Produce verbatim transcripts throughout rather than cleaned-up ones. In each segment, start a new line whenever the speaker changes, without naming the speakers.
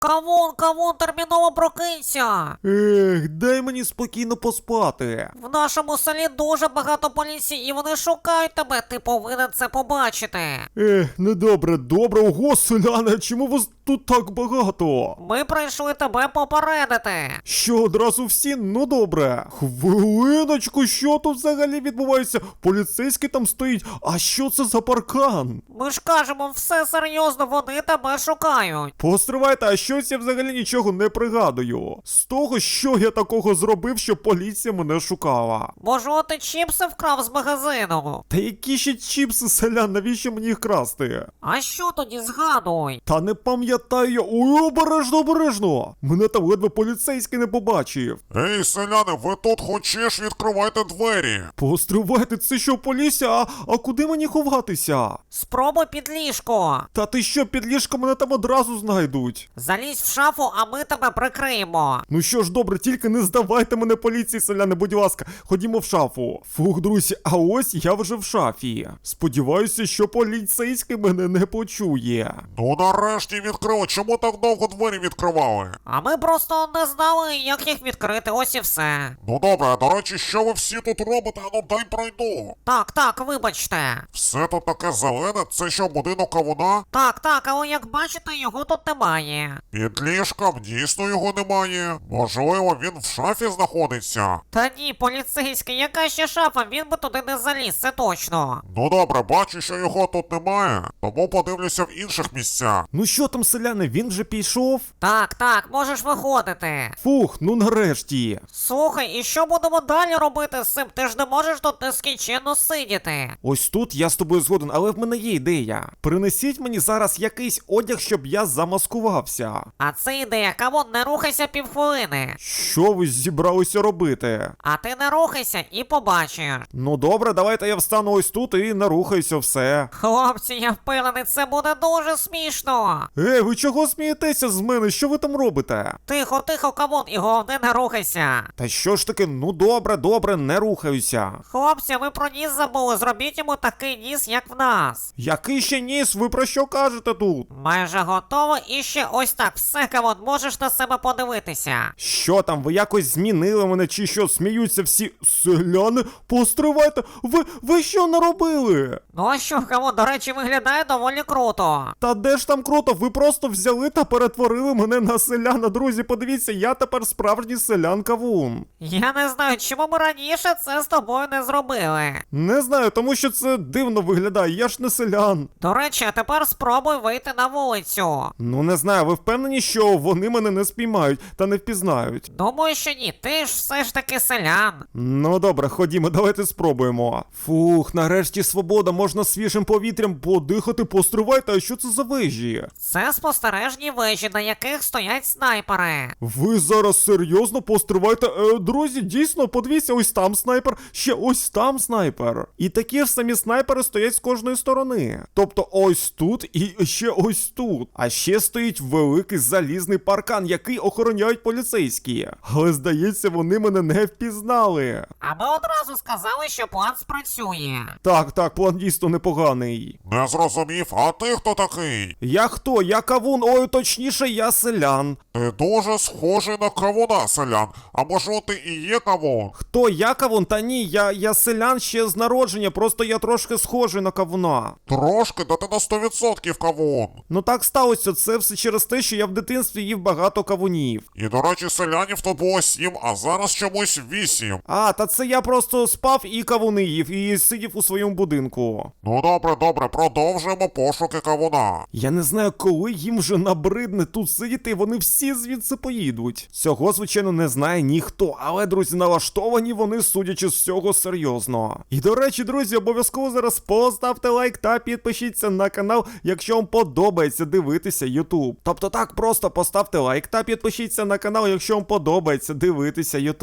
Кавун, кавун, терміново прокинься!
Ех, дай мені спокійно поспати.
В нашому селі дуже багато поліції і вони шукають тебе, ти повинен це побачити.
Ех, недобре, добре, ого, селяни, чому вас тут так багато?
Ми прийшли тебе попередити.
Що, одразу всі? Ну добре. Хвилиночку, що тут взагалі відбувається? Поліцейський там стоїть, а що це за паркан?
Ми ж кажемо, все серйозно, вони тебе шукають.
Постривайте, а щось я взагалі нічого не пригадую. З того, що я такого зробив, що поліція мене шукала.
Можливо, ти чіпси вкрав з магазину?
Та які ще чіпси, селян, навіщо мені їх красти?
А що тоді, згадуй?
Та не пам'ятаю я. Ой, обережно, обережно! Мене там ледве поліцейський не побачив.
Ей, селяни, ви тут хочеш, відкривайте двері.
Постривайте, це що, поліція? А, а куди мені ховатися?
Спробуй під ліжко.
Та ти що, під ліжком мене там одразу знайдуть?
Залізь в шафу, а ми тебе прикриємо.
Ну що ж, добре, тільки не здавайте мене поліції, селяни, будь ласка, ходімо в шафу. Фух, друзі, а ось я вже в шафі. Сподіваюся, що поліцейський мене не почує.
Ну нарешті відкрили, чому так довго двері відкривали?
А ми просто не знали, як їх відкрити, ось і все.
Ну добре, до речі, що ви всі тут робите? Ну дай пройду.
Так, так, вибачте.
Все тут таке зелене, це що, будинок кавуна?
Так, так, але як бачите, його тут немає.
Під ліжком дійсно його немає. Можливо, він в шафі знаходиться.
Та ні, поліцейський, яка ще шафа, він би туди не заліз, це точно.
Ну добре, бачу, що його тут немає, тому подивлюся в інших місцях.
Ну що там, селяни, він вже пішов?
Так, так, можеш виходити.
Фух, ну нарешті.
Слухай, і що будемо далі робити з цим? Ти ж не можеш тут нескінченно сидіти.
Ось тут я з тобою згоден, але в мене є ідея. Принесіть мені зараз якийсь одяг, щоб я замаскувався.
А це ідея, камон, не рухайся півхвилини.
Що ви зібралися робити?
А ти не рухайся і побачиш.
Ну добре, давайте я встану ось тут і нарухаюся все.
Хлопці, я впевнений, це буде дуже смішно.
Ей, ви чого смієтеся з мене? Що ви там робите?
Тихо, тихо, камон, і головне не рухайся.
Та що ж таки, ну добре, добре, не рухаюся.
Хлопці, ви про ніс забули, зробіть йому такий ніс, як в нас.
Який ще ніс? Ви про що кажете тут?
Майже готово, і ще ось так, все, камон, можеш на себе подивитися.
Що там, ви якось змінили мене чи що? Сміються всі селяни? Постривайте, ви, ви що наробили?
Ну а що, камон, до речі, виглядає доволі круто.
Та де ж там круто, ви просто взяли та перетворили мене на селяна. Друзі, подивіться, я тепер справжній селян-кавун.
Я не знаю, чому ми раніше це з тобою не зробили.
Не знаю, тому що це дивно виглядає, я ж не селян.
До речі, а тепер спробуй вийти на вулицю.
Ну не знаю, ви впевнені, що вони мене не спіймають та не впізнають?
Думаю, що ні, ти ж все ж таки селян.
Ну добре, ходімо, давайте спробуємо. Фух, нарешті свобода, можна свіжим повітрям подихати, постривайте, а що це за вежі?
Це спостережні вежі, на яких стоять снайпери.
Ви зараз серйозно постривайте? Е, друзі, дійсно, подивіться, ось там снайпер, ще ось там снайпер. І такі ж самі снайпери стоять з кожної сторони. Тобто ось тут і ще ось тут. А ще стоїть великий залізний паркан, який охороняють поліцейські. Але здається, вони мене не впізнали.
А ми одразу сказали, що план спрацює.
Так, так, план дійсно непоганий.
Не зрозумів, а ти хто такий?
Я хто? Я кавун, ой, точніше, я селян.
Ти дуже схожий на кавуна, селян. А може ти і є кавун?
Хто я кавун? Та ні, я, я селян ще з народження, просто я трошки схожий на кавуна.
Трошки, да ти на сто відсотків кавун.
Ну так сталося, це все через те, що я в дитинстві їв багато кавунів.
І, до речі, селянів тут було сім, а зараз чомусь вісім.
А, та це я просто спав і кавуни їв, і сидів у своєму будинку.
Ну добре, добре, продовжуємо пошуки кавуна.
Я не знаю, коли їм вже набридне тут сидіти, і вони всі звідси поїдуть. Цього, звичайно, не знає ніхто, але, друзі, налаштовані вони, судячи з всього, серйозно. І, до речі, друзі, обов'язково зараз поставте лайк та підпишіться на канал, якщо вам подобається дивитися YouTube. Тобто так, просто поставте лайк та підпишіться на канал, якщо вам подобається дивитися YouTube.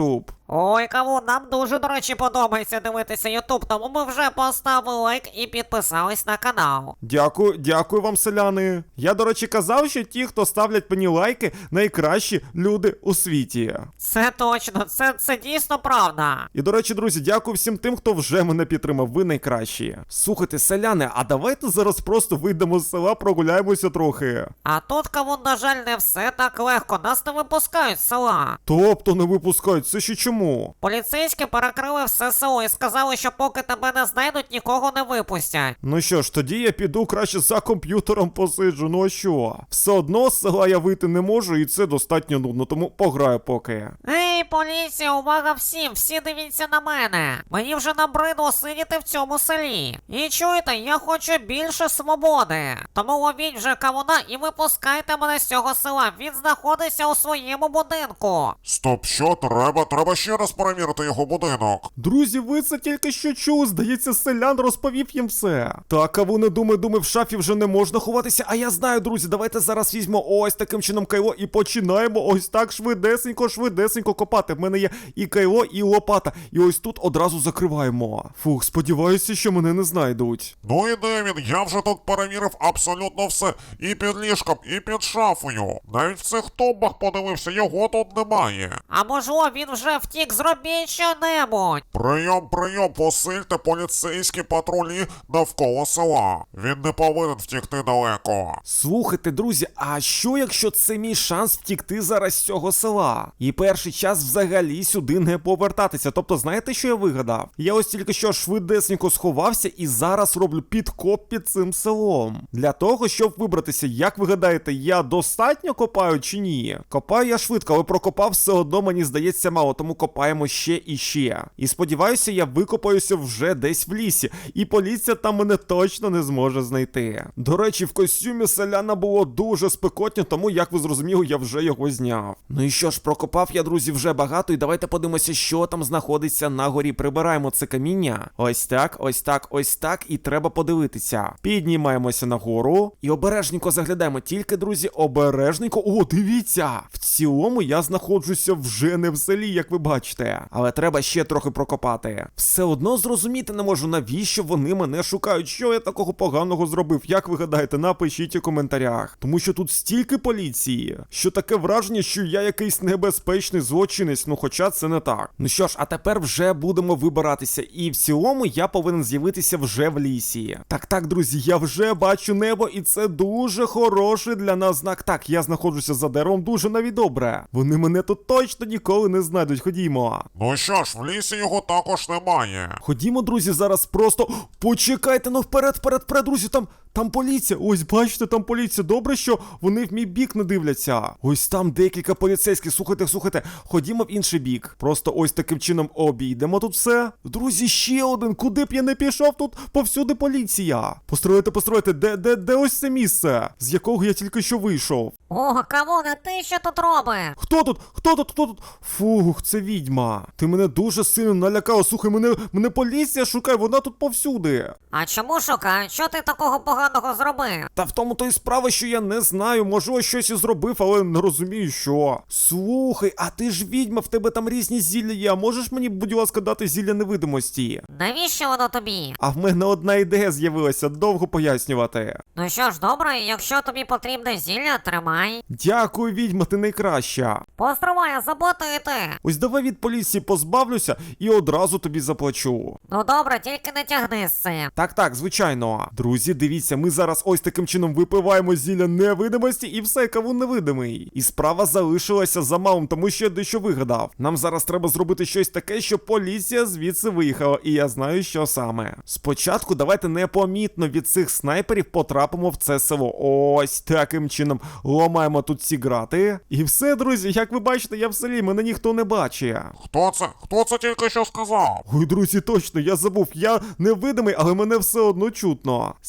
Ой, кавун, нам дуже, до речі, подобається дивитися Ютуб, тому ми вже поставили лайк і підписались на канал.
Дякую, дякую вам, селяни. Я, до речі, казав, що ті, хто ставлять мені лайки, найкращі люди у світі.
Це точно, це, це дійсно правда.
І, до речі, друзі, дякую всім тим, хто вже мене підтримав, ви найкращі. Слухайте, селяни, а давайте зараз просто вийдемо з села, прогуляємося трохи.
А тут, кавун, на жаль, не все так легко, нас не випускають з села.
Тобто не випускають, це ще чому?
Поліцейські перекрили все село і сказали, що поки тебе не знайдуть, нікого не випустять.
Ну що ж, тоді я піду краще за комп'ютером посиджу, ну а що? Все одно з села я вийти не можу, і це достатньо нудно, тому пограю поки.
Ей, поліція, увага всім, всі дивіться на мене. Мені вже набридло сидіти в цьому селі. І чуєте, я хочу більше свободи. Тому ловіть вже кавуна і випускайте мене з цього села. Він знаходиться у своєму будинку.
Стоп, що треба? Треба ще раз перевірити його будинок.
Друзі, ви це тільки що чули, здається, селян розповів їм все. Так, а вони думаю, думаю, в шафі вже не можна ховатися, а я знаю, друзі, давайте зараз візьмемо ось таким чином кайло і починаємо ось так швидесенько, швидесенько копати. В мене є і кайло, і лопата, і ось тут одразу закриваємо. Фух, сподіваюся, що мене не знайдуть.
Ну і де він? Я вже тут перевірив абсолютно все. І під ліжком, і під шафою. Навіть в цих тумбах подивився, його тут немає.
А можливо, він вже втік, зробіть що-небудь.
Прийом, прийом, посильте поліцейські патрулі навколо села. Він не повинен втікти далеко.
Слухайте, друзі, а що якщо це мій шанс втікти зараз з цього села? І перший час взагалі сюди не повертатися. Тобто, знаєте, що я вигадав? Я ось тільки що швидесенько сховався і зараз роблю підкоп під цим селом. Для того, щоб вибратися, як ви гадаєте, я достатньо копаю чи ні? Копаю я швидко, але прокопав все одно, мені здається, мало, тому копаємо ще і ще. І сподіваюся, я викопаюся вже десь в лісі, і поліція там мене точно не зможе знайти. До речі, в костюмі селяна було дуже спекотно, тому, як ви зрозуміли, я вже його зняв. Ну і що ж, прокопав я, друзі, вже багато, і давайте подивимося, що там знаходиться на горі. Прибираємо це каміння. Ось так, ось так, ось так, і треба подивитися. Піднімаємося нагору і обережненько заглядаємо. Тільки, друзі, обережненько. О, дивіться! В цілому я знаходжуся вже не в селі, як ви бачите. Але треба ще трохи прокопати. Все одно зрозуміти не можу, навіщо вони мене шукають. Що я такого поганого зробив? Як ви гадаєте, напишіть у коментарях. Тому що тут стільки поліції, що таке враження, що я якийсь небезпечний злочинець, ну хоча це не так. Ну що ж, а тепер вже будемо вибиратися. І в цілому я повинен з'явитися вже в лісі. Так, так, друзі, я вже бачу небо, і це дуже хороший для нас знак. Так, я знаходжуся за деревом дуже навіть добре. Вони мене тут точно ніколи не знайдуть. Ходімо.
Ну що ж, в лісі його також немає.
Ходімо, друзі, зараз просто... Почекайте, ну вперед, вперед, вперед, друзі, там... Там поліція, ось бачите, там поліція. Добре, що вони в мій бік не дивляться. Ось там декілька поліцейських. Слухайте, слухайте, ходімо в інший бік. Просто ось таким чином обійдемо тут все. Друзі, ще один. Куди б я не пішов, тут повсюди поліція. Построїте, построїте, де, де, де ось це місце, з якого я тільки що вийшов.
О, кавуне, ти що тут робиш?
Хто тут? Хто тут? Хто тут? Фух, це відьма. Ти мене дуже сильно налякала. Слухай, мене, мене поліція шукає, вона тут повсюди.
А чому шукають? Що ти такого поганого зробив?
Та в тому то й справа, що я не знаю, можливо, щось і зробив, але не розумію, що. Слухай, а ти ж відьма, в тебе там різні зілля є, а можеш мені, будь ласка, дати зілля невидимості?
Навіщо воно тобі?
А в мене одна ідея з'явилася, довго пояснювати.
Ну що ж, добре, якщо тобі потрібне зілля, тримай.
Дякую, відьма, ти найкраща.
Постривай, а заплатити.
Ось давай від поліції позбавлюся і одразу тобі заплачу.
Ну добре, тільки не тягни з цим.
Так, так, звичайно. Друзі, дивіться, ми зараз ось таким чином випиваємо зілля невидимості і все, кавун невидимий. І справа залишилася за малим, тому що я дещо вигадав. Нам зараз треба зробити щось таке, щоб поліція звідси виїхала, і я знаю, що саме. Спочатку давайте непомітно від цих снайперів потрапимо в це село. Ось таким чином ламаємо тут ці грати. І все, друзі, як ви бачите, я в селі, мене ніхто не бачить.
Хто це? Хто це тільки що сказав?
Ой, друзі, точно, я забув, я невидимий, але мене все одно чутно. Спеціально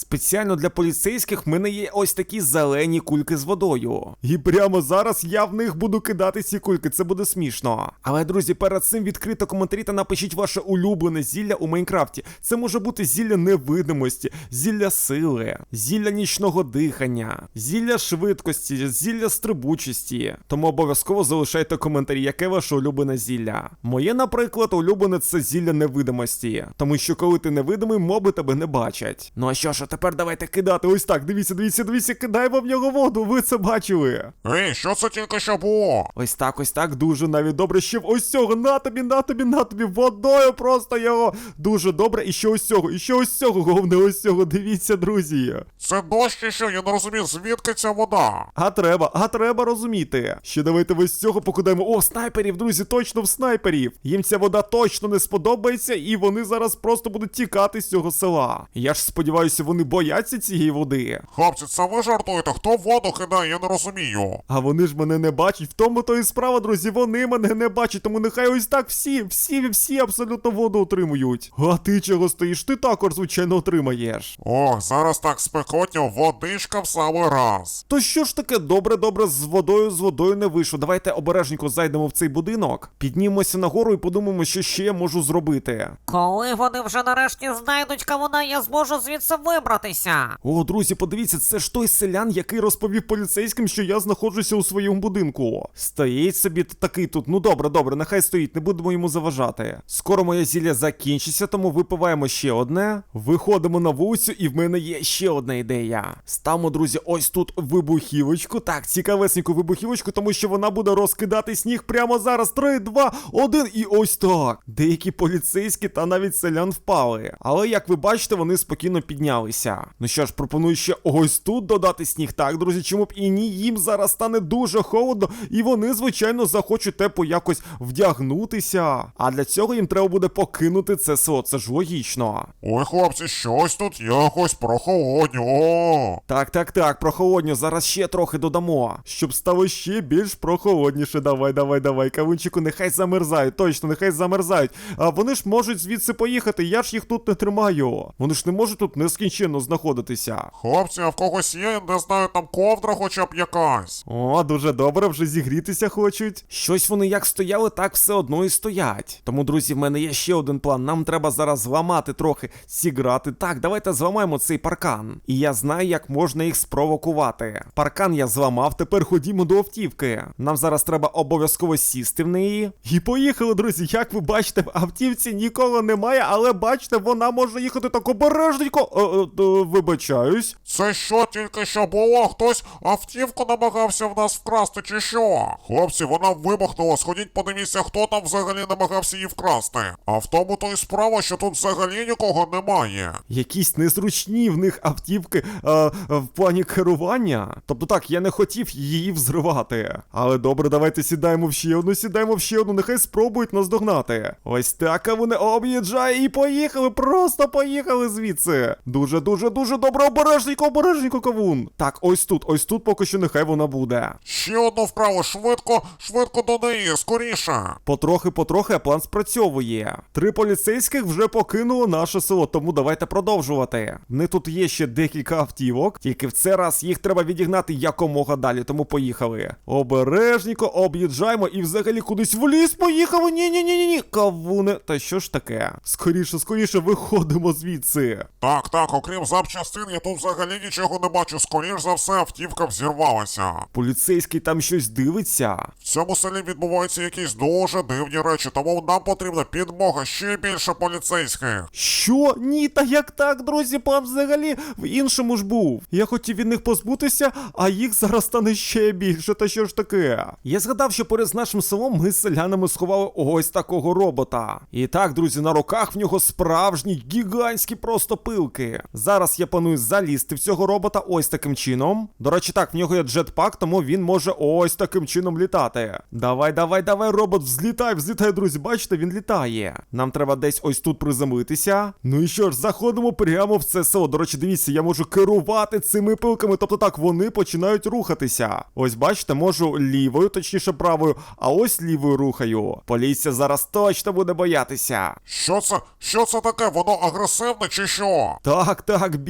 спеціально для поліцейських в мене є ось такі зелені кульки з водою. І прямо зараз я в них буду кидати ці кульки, це буде смішно. Але, друзі, перед цим відкрито коментарі та напишіть ваше улюблене зілля у Майнкрафті. Це може бути зілля невидимості, зілля сили, зілля нічного дихання, зілля швидкості, зілля стрибучості. Тому обов'язково залишайте коментарі, яке ваше улюблене зілля. Моє, наприклад, улюблене це зілля невидимості. Тому що коли ти невидимий, моби тебе не бачать. Ну а що ж, а тепер давайте кидати. Ось так, дивіться, дивіться, дивіться, кидаємо в нього воду, ви це бачили.
Ей, що це тільки що було?
Ось так, ось так, дуже навіть добре. Ще ось цього, на тобі, на тобі, на тобі, водою просто його. Дуже добре, і ще ось цього, і ще ось цього, головне ось цього, дивіться, друзі.
Це дощ чи що? Я не розумію, звідки ця вода?
А треба, а треба розуміти. Ще давайте ось цього покидаємо. О, снайперів, друзі, точно в снайперів. Їм ця вода точно не сподобається, і вони зараз просто будуть тікати з цього села. Я ж сподіваюся, вони бояться цієї води.
Хлопці, це ви жартуєте? Хто воду кидає, я не розумію.
А вони ж мене не бачать. В тому то і справа, друзі, вони мене не бачать, тому нехай ось так всі, всі, всі абсолютно воду отримують. А ти чого стоїш? Ти також, звичайно, отримаєш.
Ох, зараз так спекотно, водичка в самий раз.
То що ж таке, добре, добре, з водою, з водою не вийшло. Давайте обережненько зайдемо в цей будинок, піднімемося нагору і подумаємо, що ще я можу зробити.
Коли вони вже нарешті знайдуть кавуна, я зможу звідси вибратися.
О, друзі, подивіться, це ж той селян, який розповів поліцейським, що я знаходжуся у своєму будинку. Стоїть собі такий тут. Ну добре, добре, нехай стоїть, не будемо йому заважати. Скоро моє зілля закінчиться, тому випиваємо ще одне. Виходимо на вулицю, і в мене є ще одна ідея. Ставимо, друзі, ось тут вибухівочку. Так, цікавесеньку вибухівочку, тому що вона буде розкидати сніг прямо зараз. Три, два, один, і ось так. Деякі поліцейські та навіть селян впали. Але, як ви бачите, вони спокійно піднялися. Ну що ж, пропоную ще ось тут додати сніг. Так, друзі, чому б і ні, їм зараз стане дуже холодно, і вони, звичайно, захочуть тепло якось вдягнутися. А для цього їм треба буде покинути це село, це ж логічно.
Ой, хлопці, щось тут якось прохолодньо.
Так, так, так, прохолодньо, зараз ще трохи додамо, щоб стало ще більш прохолодніше. Давай, давай, давай, кавунчику, нехай замерзають, точно, нехай замерзають. А вони ж можуть звідси поїхати, я ж їх тут не тримаю. Вони ж не можуть тут нескінченно знаходитися.
Хлопці, а в когось є, не знаю, там ковдра хоча б якась.
О, дуже добре, вже зігрітися хочуть. Щось вони як стояли, так все одно і стоять. Тому, друзі, в мене є ще один план. Нам треба зараз зламати трохи, зіграти. Так, давайте зламаємо цей паркан. І я знаю, як можна їх спровокувати. Паркан я зламав, тепер ходімо до автівки. Нам зараз треба обов'язково сісти в неї. І поїхали, друзі. Як ви бачите, в автівці нікого немає, але бачите, вона може їхати так обережненько. Е, е, е, вибачаюсь.
Це що тільки що було? Хтось автівку намагався в нас вкрасти чи що? Хлопці, вона вибухнула, сходіть подивіться, хто там взагалі намагався її вкрасти. А в тому то й справа, що тут взагалі нікого немає.
Якісь незручні в них автівки е, в плані керування. Тобто так, я не хотів її взривати. Але добре, давайте сідаємо в ще одну, сідаємо в ще одну, нехай спробують нас догнати. Ось так, а вони об'їжджає і поїхали, просто поїхали звідси. Дуже-дуже-дуже добре, обережненько, обережненько, кавун. Так, ось тут, ось тут поки що нехай вона буде.
Ще одну вправо, швидко, швидко до неї, скоріше.
Потрохи-потрохи, а план спрацьовує. Три поліцейських вже покинуло наше село, тому давайте продовжувати. В них тут є ще декілька автівок, тільки в цей раз їх треба відігнати якомога далі, тому поїхали. Обережненько об'їжджаємо і взагалі кудись в ліс поїхали. Ні-ні-ні-ні, кавуне. Та що ж таке? Скоріше, скоріше виходимо звідси.
Так, так, окрім запчастин, я тут взагалі нічого не бачу. Скоріш за все, автівка взірвалася.
Поліцейський там щось дивиться.
В цьому селі відбуваються якісь дуже дивні речі, тому нам потрібна підмога, ще більше поліцейських.
Що? Ні, та як так, друзі, план взагалі в іншому ж був. Я хотів від них позбутися, а їх зараз стане ще більше, та що ж таке? Я згадав, що поряд з нашим селом ми з селянами сховали ось такого робота. І так, друзі, на руках в нього справжні, гігантські просто пилки. Зараз я планую залізти в цього робота ось таким чином. До речі, так, в нього є джетпак, тому він може ось таким чином літати. Давай, давай, давай, робот, взлітай, взлітай, друзі, бачите, він літає. Нам треба десь ось тут приземлитися. Ну і що ж, заходимо прямо в це село. До речі, дивіться, я можу керувати цими пилками, тобто так, вони починають рухатися. Ось, бачите, можу лівою, точніше правою, а ось лівою рухаю. Поліція зараз точно буде боятися.
Що це? Що це таке? Воно агресивне чи що?
Так, так, бій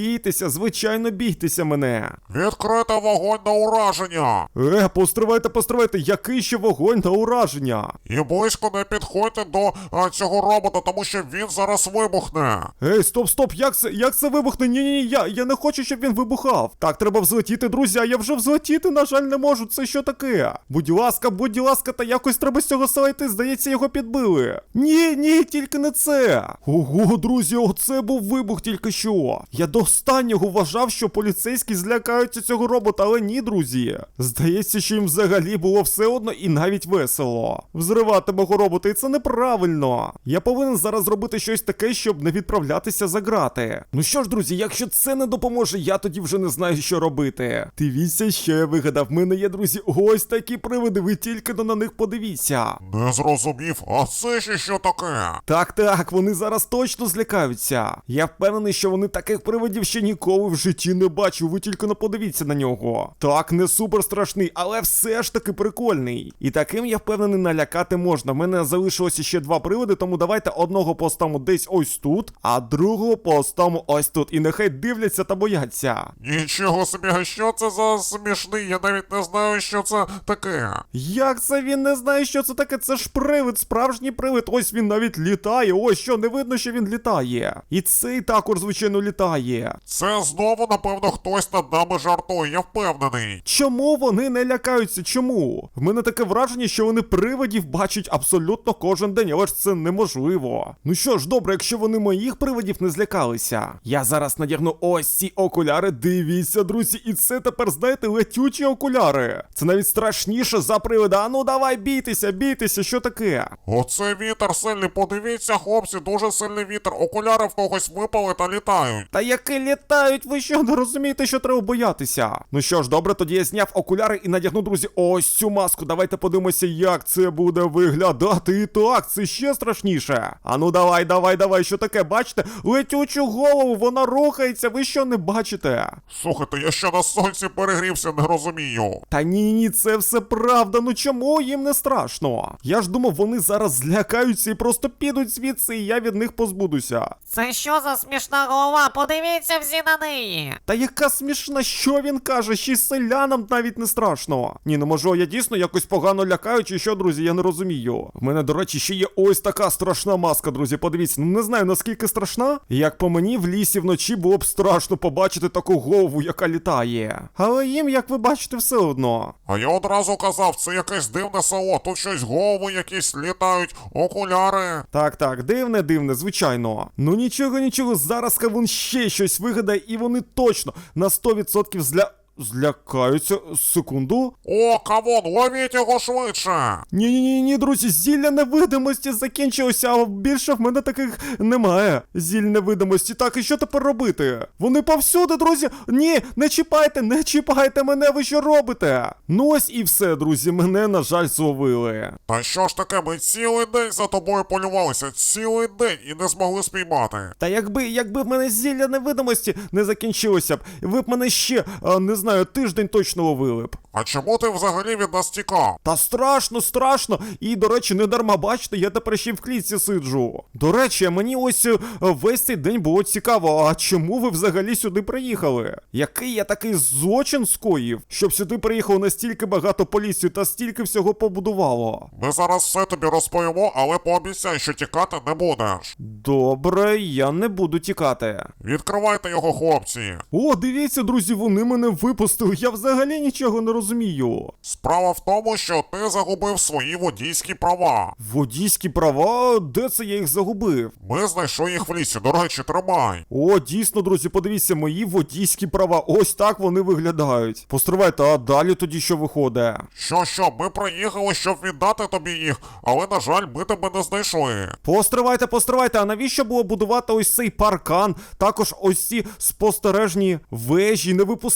бійтеся, звичайно, бійтеся мене.
Відкрити вогонь на ураження.
Е, постривайте, постривайте, який ще вогонь на ураження?
І близько не підходьте до а, цього робота, тому що він зараз вибухне.
Ей, стоп, стоп, як це, як це вибухне? Ні-ні-ні, я, я не хочу, щоб він вибухав. Так, треба взлетіти, друзі, а я вже взлетіти, на жаль, не можу, це що таке? Будь ласка, будь ласка, та якось треба з цього села йти, здається, його підбили. Ні, ні, тільки не це. Ого, друзі, оце був вибух тільки що. Я до останнього вважав, що поліцейські злякаються цього робота, але ні, друзі. Здається, що їм взагалі було все одно і навіть весело. Взривати мого робота, і це неправильно. Я повинен зараз зробити щось таке, щоб не відправлятися за грати. Ну що ж, друзі, якщо це не допоможе, я тоді вже не знаю, що робити. Дивіться, що я вигадав. В мене є, друзі, ось такі привиди, ви тільки на них подивіться.
Не зрозумів, а це ще що таке?
Так, так, вони зараз точно злякаються. Я впевнений, що вони таких привидів ще ніколи в житті не бачив, ви тільки не подивіться на нього. Так, не супер страшний, але все ж таки прикольний. І таким, я впевнений, налякати можна. В мене залишилося ще два привиди, тому давайте одного поставимо десь ось тут, а другого поставимо ось тут. І нехай дивляться та бояться.
Нічого собі, а що це за смішний? Я навіть не знаю, що це таке.
Як це він не знає, що це таке? Це ж привид, справжній привид. Ось він навіть літає. Ось що, не видно, що він літає. І цей також, звичайно, літає.
Це знову, напевно, хтось над нами жартує, я впевнений.
Чому вони не лякаються? Чому? В мене таке враження, що вони привидів бачать абсолютно кожен день, але ж це неможливо. Ну що ж, добре, якщо вони моїх привидів не злякалися. Я зараз надягну ось ці окуляри, дивіться, друзі, і це тепер, знаєте, летючі окуляри. Це навіть страшніше за привида. А ну давай, бійтеся, бійтеся, що таке?
Оце вітер сильний, подивіться, хлопці, дуже сильний вітер. Окуляри в когось випали та літають.
Та які літають, ви що, не розумієте, що треба боятися? Ну що ж, добре, тоді я зняв окуляри і надягну, друзі, ось цю маску. Давайте подивимося, як це буде виглядати. І так, це ще страшніше. А ну давай, давай, давай, що таке, бачите? Летючу голову, вона рухається, ви що не бачите?
Слухайте, я ще на сонці перегрівся, не розумію.
Та ні, ні, це все правда, ну чому їм не страшно? Я ж думав, вони зараз злякаються і просто підуть звідси, і я від них позбудуся.
Це що за смішна голова? Подивіться всі на неї.
Та яка смішна, що він каже, ще й селянам навіть не страшно. Ні, ну може я дійсно якось погано лякаю, чи що, друзі, я не розумію. В мене, до речі, ще є ось така страшна маска, друзі, подивіться, ну не знаю наскільки страшна. Як по мені, в лісі вночі було б страшно побачити таку голову, яка літає. Але їм, як ви бачите, все одно.
А я одразу казав, це якесь дивне село, тут щось голови якісь літають, окуляри.
Так, так, дивне, дивне, звичайно. Ну нічого, нічого, зараз Кавун ще щось вигадає, і вони точно на сто відсотків зля... Злякаються. Секунду.
О, кавун, ловіть його швидше.
Ні-ні-ні, друзі, зілля невидимості закінчилося, а більше в мене таких немає. Зіль невидимості. Так, і що тепер робити? Вони повсюди, друзі. Ні, не чіпайте, не чіпайте мене, ви що робите? Ну ось і все, друзі, мене, на жаль, зловили.
Та що ж таке, ми цілий день за тобою полювалися, цілий день і не змогли спіймати.
Та якби, якби в мене зілля невидимості не закінчилося б, ви б мене ще, а, не знаю, тиждень точно ловили б.
А чому ти взагалі від нас тікав?
Та страшно, страшно. І, до речі, не дарма, бачите, я тепер ще й в клітці сиджу. До речі, мені ось е, весь цей день було цікаво, а чому ви взагалі сюди приїхали? Який я такий злочин скоїв, щоб сюди приїхало настільки багато поліцію та стільки всього побудувало?
Ми зараз все тобі розповімо, але пообіцяй, що тікати не будеш.
Добре, я не буду тікати.
Відкривайте його, хлопці.
О, дивіться, друзі, вони мене випустили, я взагалі нічого не розумію.
Справа в тому, що ти загубив свої водійські права.
Водійські права? Де це я їх загубив?
Ми знайшли їх в лісі, до речі, тримай.
О, дійсно, друзі, подивіться, мої водійські права. Ось так вони виглядають. Постривайте, а далі тоді що виходить?
Що, що, ми приїхали, щоб віддати тобі їх, але, на жаль, ми тебе не знайшли.
Постривайте, постривайте, а навіщо було будувати ось цей паркан? Також ось ці спостережні вежі, не випускати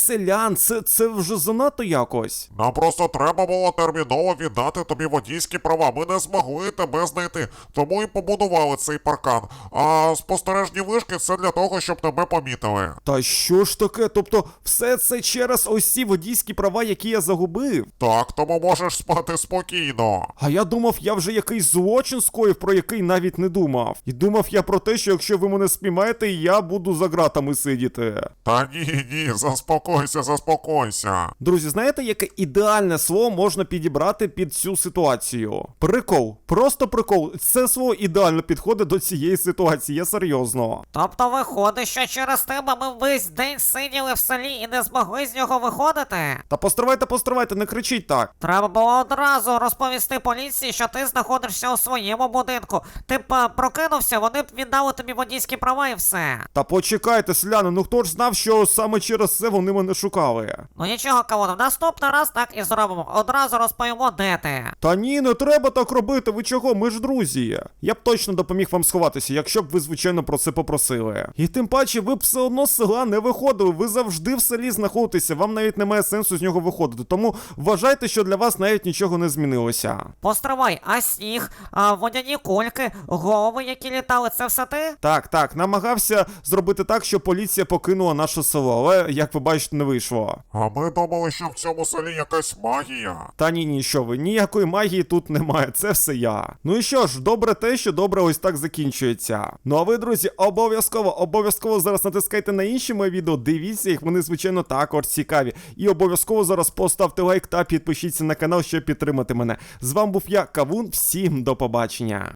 селян, це, це вже занадто якось.
Нам просто треба було терміново віддати тобі водійські права. Ми не змогли тебе знайти, тому і побудували цей паркан. А спостережні вишки це для того, щоб тебе помітили.
Та що ж таке? Тобто, все це через ось ці водійські права, які я загубив?
Так, тому можеш спати спокійно.
А я думав, я вже якийсь злочин скоїв, про який навіть не думав. І думав я про те, що якщо ви мене спіймаєте, я буду за ґратами сидіти.
Та ні, ні, заспокойся, заспокойся.
Друзі, знаєте, яке ідеальне слово можна підібрати під цю ситуацію? Прикол. Просто прикол. Це слово ідеально підходить до цієї ситуації, я серйозно.
Тобто виходить, що через тебе ми весь день сиділи в селі і не змогли з нього виходити?
Та постривайте, постривайте, не кричіть так.
Треба було одразу розповісти поліції, що ти знаходишся у своєму будинку. Ти б е, прокинувся, вони б віддали тобі водійські права і все.
Та почекайте, селяни, ну хто ж знав, що саме через це вони мене шукали?
Ну нічого, Кавуне, в наступний раз так і зробимо. Одразу розповімо, де ти.
Та ні, не треба так робити, ви чого, ми ж друзі. Я б точно допоміг вам сховатися, якщо б ви, звичайно, про це попросили. І тим паче, ви б все одно з села не виходили, ви завжди в селі знаходитеся, вам навіть немає сенсу з нього виходити, тому вважайте, що для вас навіть нічого не змінилося.
Постривай, а сніг, а водяні кульки, голови, які літали, це все ти?
Так, так, намагався зробити так, щоб поліція покинула наше село, але, як ви бачите, не вийшло.
А ми думали, що в цьому селі якась магія.
Та ні, ні, що ви, ніякої магії тут немає, це все я. Ну і що ж, добре те, що добре ось так закінчується. Ну а ви, друзі, обов'язково, обов'язково зараз натискайте на інші мої відео, дивіться їх, вони, звичайно, також цікаві. І обов'язково зараз поставте лайк та підпишіться на канал, щоб підтримати мене. З вами був я, Кавун, всім до побачення.